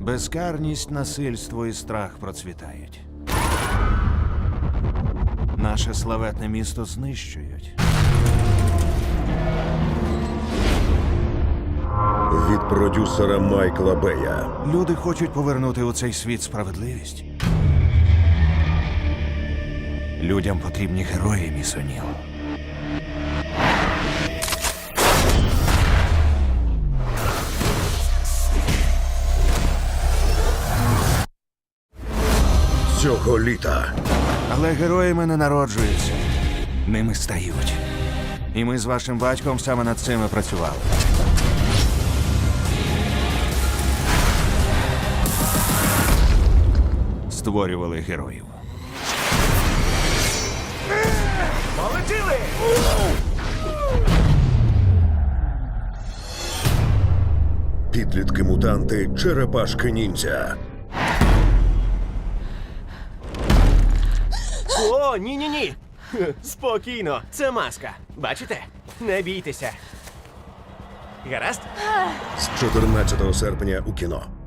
Безкарність, насильство і страх процвітають. Наше славетне місто знищують. Від продюсера Майкла Бея. Люди хочуть повернути у цей світ справедливість. Людям потрібні герої, міс О'Ніл. Цього літа Але героями не народжуються. Ними стають. І ми з вашим батьком саме над цим і працювали. Створювали героїв. Полетіли! підлітки-мутанти Черепашки-ніндзя. О, ні-ні-ні! Спокійно, це маска. Бачите? Не бійтеся. Гаразд? З 14 серпня у кіно.